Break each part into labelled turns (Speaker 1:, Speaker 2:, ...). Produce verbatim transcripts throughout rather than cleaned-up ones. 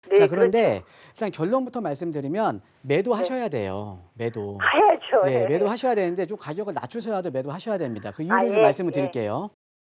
Speaker 1: 네,
Speaker 2: 자, 그런데
Speaker 1: 그렇죠.
Speaker 2: 일단 결론부터 말씀드리면 매도하셔야 돼요. 매도.
Speaker 1: 가야죠.
Speaker 2: 예,
Speaker 1: 예.
Speaker 2: 매도하셔야 되는데 좀 가격을 낮추셔야도 매도하셔야 됩니다. 그 이유를
Speaker 1: 아,
Speaker 2: 좀
Speaker 1: 예,
Speaker 2: 말씀을
Speaker 1: 예.
Speaker 2: 드릴게요.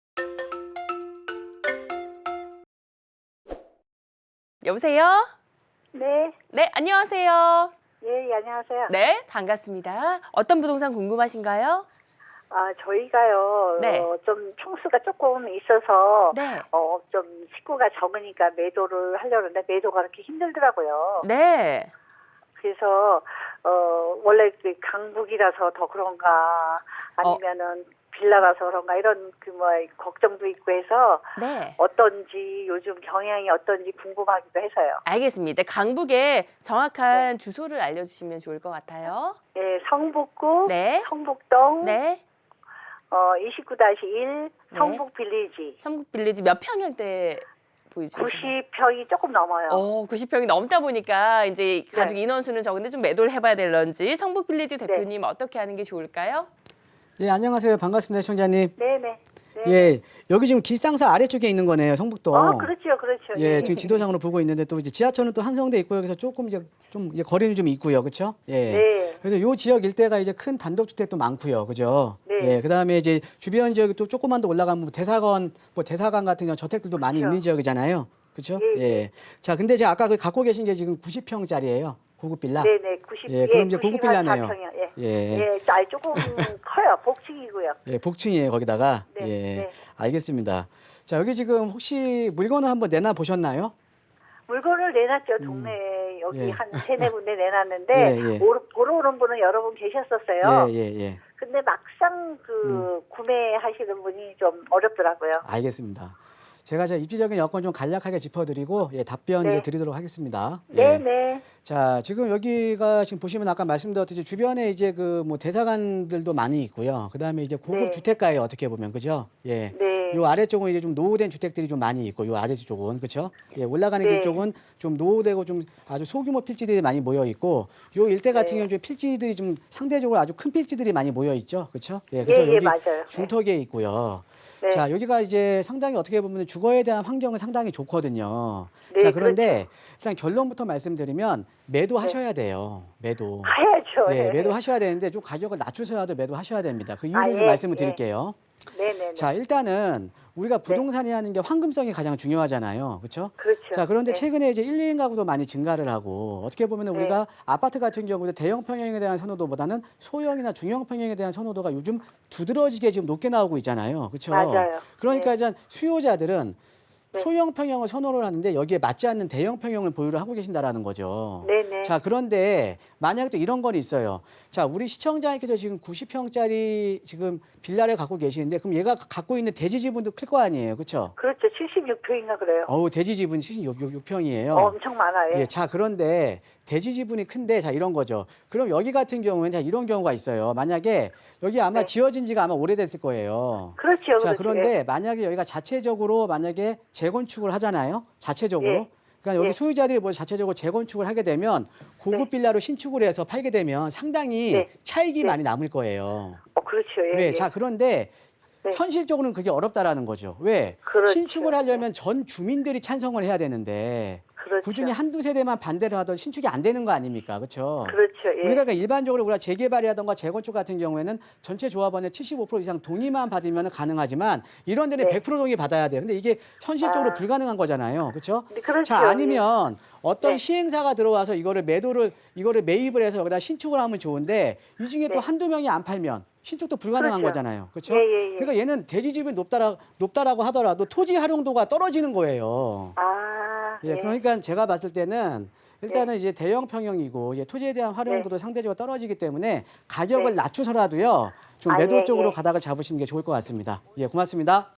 Speaker 3: 여보세요?
Speaker 1: 네.
Speaker 3: 네, 안녕하세요.
Speaker 1: 예, 예, 안녕하세요.
Speaker 3: 네, 반갑습니다. 어떤 부동산 궁금하신가요?
Speaker 1: 아, 저희가요,
Speaker 3: 네.
Speaker 1: 어, 좀 평수가 조금 있어서,
Speaker 3: 네.
Speaker 1: 어, 좀 식구가 적으니까 매도를 하려는데 매도가 그렇게 힘들더라고요.
Speaker 3: 네.
Speaker 1: 그래서, 어, 원래 그 강북이라서 더 그런가, 아니면은 빌라라서 그런가, 이런 그 뭐, 걱정도 있고 해서,
Speaker 3: 네.
Speaker 1: 어떤지, 요즘 경향이 어떤지 궁금하기도 해서요.
Speaker 3: 알겠습니다. 강북의 정확한 주소를 알려주시면 좋을 것 같아요.
Speaker 1: 예, 성북구,
Speaker 3: 네.
Speaker 1: 성북동,
Speaker 3: 네.
Speaker 1: 어, 이십구 다시 일,
Speaker 3: 네.
Speaker 1: 성북 빌리지.
Speaker 3: 성북 빌리지 몇 평형대 보이시나요?
Speaker 1: 구십 평이 조금 넘어요.
Speaker 3: 어, 구십 평이 넘다 보니까 이제 가족 인원수는 적은데 좀 매도를 해봐야 될런지 성북 빌리지 대표님 어떻게 하는 게 좋을까요?
Speaker 2: 예, 안녕하세요. 반갑습니다, 시청자님.
Speaker 1: 네네. 네.
Speaker 2: 예, 여기 지금 길상사 아래쪽에 있는 거네요, 성북동.
Speaker 1: 아, 그렇죠, 그렇죠.
Speaker 2: 예, 지금 지도상으로 보고 있는데 또 이제 지하철은 또 한성대 있고요. 그래서 조금 이제 좀 이제 거리는 좀 있고요, 그렇죠? 예.
Speaker 1: 네.
Speaker 2: 그래서 요 지역 일대가 이제 큰 단독주택도 많고요, 그죠?
Speaker 1: 네.
Speaker 2: 예, 그다음에 이제 주변 지역이 또 조금만 더 올라가면 뭐 대사관, 뭐 대사관 같은 경우 저택들도 많이
Speaker 1: 그렇죠.
Speaker 2: 있는 지역이잖아요, 그렇죠?
Speaker 1: 예,
Speaker 2: 예. 자, 근데 제가 아까 그 갖고 계신 게 지금 구십 평짜리예요, 고급 빌라.
Speaker 1: 네네, 구십.
Speaker 2: 예, 그럼 이제
Speaker 1: 구십
Speaker 2: 고급 빌라네요.
Speaker 1: 사평이요. 예.
Speaker 2: 예.
Speaker 1: 예, 아, 조금 커요. 복층이고요.
Speaker 2: 예, 복층이에요, 거기다가.
Speaker 1: 네,
Speaker 2: 예,
Speaker 1: 네.
Speaker 2: 알겠습니다. 자, 여기 지금 혹시 물건을 한번 내놔 보셨나요?
Speaker 1: 물건을 내놨죠. 동네에 여기
Speaker 2: 예.
Speaker 1: 한 세네 군데 내놨는데
Speaker 2: 예, 예.
Speaker 1: 오르, 보러 오는 분은 여러 분 계셨었어요.
Speaker 2: 예, 예, 예.
Speaker 1: 근데 막상 그 구매하시는 분이 좀 어렵더라고요.
Speaker 2: 알겠습니다. 제가 제 입지적인 여건 좀 간략하게 짚어드리고 예, 답변
Speaker 1: 네.
Speaker 2: 이제 드리도록 하겠습니다. 예.
Speaker 1: 네네.
Speaker 2: 자, 지금 여기가 지금 보시면 아까 말씀드렸듯이 주변에 이제 그 뭐 대사관들도 많이 있고요. 그다음에 이제 고급
Speaker 1: 네.
Speaker 2: 주택가에 어떻게 보면 그죠? 예.
Speaker 1: 네.
Speaker 2: 요 아래쪽은 이제 좀 노후된 주택들이 좀 많이 있고 요 아래쪽은 그렇죠? 예, 올라가는
Speaker 1: 네.
Speaker 2: 길 쪽은 좀 노후되고 좀 아주 소규모 필지들이 많이 모여 있고 요 일대 같은
Speaker 1: 네.
Speaker 2: 경우는 좀 필지들이 좀 상대적으로 아주 큰 필지들이 많이 모여 있죠. 그렇죠? 예. 그래서
Speaker 1: 예, 예,
Speaker 2: 여기
Speaker 1: 맞아요.
Speaker 2: 중턱에 있고요.
Speaker 1: 네.
Speaker 2: 자, 여기가 이제 상당히 어떻게 보면 주거에 대한 환경은 상당히 좋거든요.
Speaker 1: 네,
Speaker 2: 자, 그런데
Speaker 1: 그렇죠.
Speaker 2: 일단 결론부터 말씀드리면 매도하셔야 돼요. 매도.
Speaker 1: 가야죠.
Speaker 2: 예,
Speaker 1: 네.
Speaker 2: 매도하셔야 되는데 좀 가격을 낮추셔야도 매도하셔야 됩니다. 그 이유를
Speaker 1: 아,
Speaker 2: 좀
Speaker 1: 예,
Speaker 2: 말씀을
Speaker 1: 예.
Speaker 2: 드릴게요.
Speaker 1: 네네네.
Speaker 2: 자, 일단은 우리가 부동산이라는 게 황금성이 가장 중요하잖아요. 그렇죠?
Speaker 1: 그렇죠.
Speaker 2: 자, 그런데
Speaker 1: 네.
Speaker 2: 최근에 이제 일, 이 인 가구도 많이 증가를 하고 어떻게 보면
Speaker 1: 네.
Speaker 2: 우리가 아파트 같은 경우는 대형 평형에 대한 선호도보다는 소형이나 중형 평형에 대한 선호도가 요즘 두드러지게 지금 높게 나오고 있잖아요. 그렇죠?
Speaker 1: 맞아요.
Speaker 2: 그러니까
Speaker 1: 네.
Speaker 2: 이제 수요자들은
Speaker 1: 네.
Speaker 2: 소형 평형을 선호를 하는데 여기에 맞지 않는 대형 평형을 보유를 하고 계신다라는 거죠.
Speaker 1: 네네.
Speaker 2: 자, 그런데 만약에 또 이런 건 있어요. 자, 우리 시청자님께서 지금 구십 평짜리 지금 빌라를 갖고 계시는데 그럼 얘가 갖고 있는 대지 지분도 클 거 아니에요. 그렇죠?
Speaker 1: 그렇죠. 칠십육 평인가 그래요.
Speaker 2: 어우, 대지 지분이 칠십육 평이에요.
Speaker 1: 어, 엄청 많아요.
Speaker 2: 예, 자, 그런데 대지 지분이 큰데 자, 이런 거죠. 그럼 여기 같은 경우에는 자, 이런 경우가 있어요. 만약에 여기 아마
Speaker 1: 네.
Speaker 2: 지어진 지가 아마 오래됐을 거예요.
Speaker 1: 그렇죠.
Speaker 2: 자,
Speaker 1: 그렇죠.
Speaker 2: 그런데 만약에 여기가 자체적으로 만약에 재건축을 하잖아요. 자체적으로.
Speaker 1: 예.
Speaker 2: 그러니까 여기
Speaker 1: 예.
Speaker 2: 소유자들이 뭐 자체적으로 재건축을 하게 되면 고급
Speaker 1: 네.
Speaker 2: 빌라로 신축을 해서 팔게 되면 상당히
Speaker 1: 네.
Speaker 2: 차익이
Speaker 1: 네.
Speaker 2: 많이 남을 거예요.
Speaker 1: 어, 그렇죠. 예,
Speaker 2: 왜?
Speaker 1: 예.
Speaker 2: 자, 그런데
Speaker 1: 네.
Speaker 2: 현실적으로는 그게 어렵다라는 거죠. 왜?
Speaker 1: 그렇죠.
Speaker 2: 신축을 하려면 전 주민들이 찬성을 해야 되는데
Speaker 1: 그렇죠.
Speaker 2: 그중에 한두 세대만 반대를 하던 신축이 안 되는 거 아닙니까? 그렇죠?
Speaker 1: 그렇죠. 예.
Speaker 2: 우리가 그러니까 일반적으로 우리가 재개발이라든가 재건축 같은 경우에는 전체 조합원의 칠십오 퍼센트 이상 동의만 받으면 가능하지만 이런 데는
Speaker 1: 네.
Speaker 2: 백 퍼센트 동의 받아야 돼요. 근데 이게 현실적으로
Speaker 1: 아.
Speaker 2: 불가능한 거잖아요. 그렇죠?
Speaker 1: 네, 그렇죠.
Speaker 2: 자, 아니면 어떤
Speaker 1: 네.
Speaker 2: 시행사가 들어와서 이거를 매도를 이거를 매입을 해서 여기다 신축을 하면 좋은데 이 중에 또
Speaker 1: 네.
Speaker 2: 한두 명이 안 팔면 신축도 불가능한
Speaker 1: 그렇죠.
Speaker 2: 거잖아요. 그렇죠?
Speaker 1: 예, 예, 예.
Speaker 2: 그러니까 얘는 대지 지분이 높다라, 높다라고 하더라도 토지 활용도가 떨어지는 거예요.
Speaker 1: 아,
Speaker 2: 예, 그러니까 제가 봤을 때는 일단은
Speaker 1: 네.
Speaker 2: 이제 대형 평형이고 이제 토지에 대한 활용도도
Speaker 1: 네.
Speaker 2: 상대적으로 떨어지기 때문에 가격을
Speaker 1: 네.
Speaker 2: 낮추서라도요 좀
Speaker 1: 아,
Speaker 2: 매도
Speaker 1: 예,
Speaker 2: 쪽으로
Speaker 1: 예.
Speaker 2: 가닥을 잡으시는 게 좋을 것 같습니다. 예, 고맙습니다.